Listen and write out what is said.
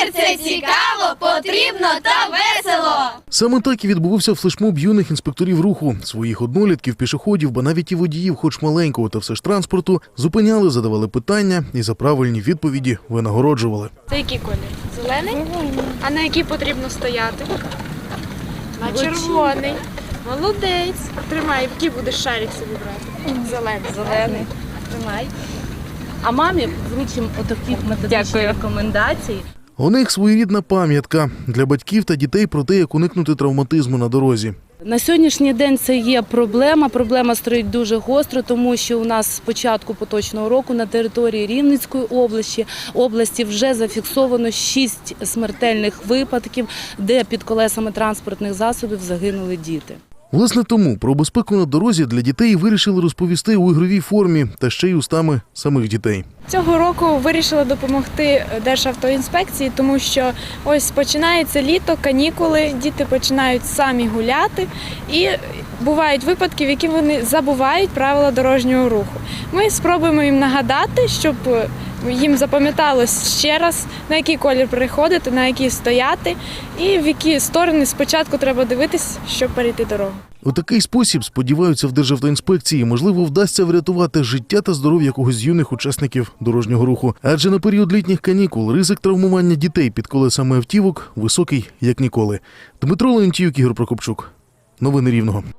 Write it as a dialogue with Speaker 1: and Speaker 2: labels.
Speaker 1: Тепер це цікаво, потрібно та весело.
Speaker 2: Саме так і відбувався флешмоб юних інспекторів руху. Своїх однолітків, пішоходів, ба навіть і водіїв, хоч маленького та все ж транспорту, зупиняли, задавали питання і за правильні відповіді винагороджували.
Speaker 3: Це який колір? Зелений? А на який потрібно стояти? На червоний. Молодець. Тримай, який будеш шарик собі брати?
Speaker 4: Зелений. Тримай. А мамі вручимо отакі методичні рекомендацій.
Speaker 2: У них своєрідна пам'ятка для батьків та дітей про те, як уникнути травматизму на дорозі.
Speaker 4: На сьогоднішній день це є проблема. Проблема стоїть дуже гостро, тому що у нас з початку поточного року на території Рівненської області вже зафіксовано 6 смертельних випадків, де під колесами транспортних засобів загинули діти.
Speaker 2: Власне тому про безпеку на дорозі для дітей вирішили розповісти у ігровій формі та ще й устами самих дітей.
Speaker 3: Цього року вирішила допомогти Державтоінспекції, тому що ось починається літо, канікули, діти починають самі гуляти і бувають випадки, в які вони забувають правила дорожнього руху. Ми спробуємо їм нагадати, щоб їм запам'яталось ще раз, на який колір переходити, на який стояти і в які сторони спочатку треба дивитись, щоб перейти дорогу.
Speaker 2: У такий спосіб, сподіваються в Державтоінспекції, можливо, вдасться врятувати життя та здоров'я когось з юних учасників дорожнього руху. Адже на період літніх канікул ризик травмування дітей під колесами автівок високий, як ніколи. Дмитро Леонтіюк, Ігор Прокопчук. Новини Рівного.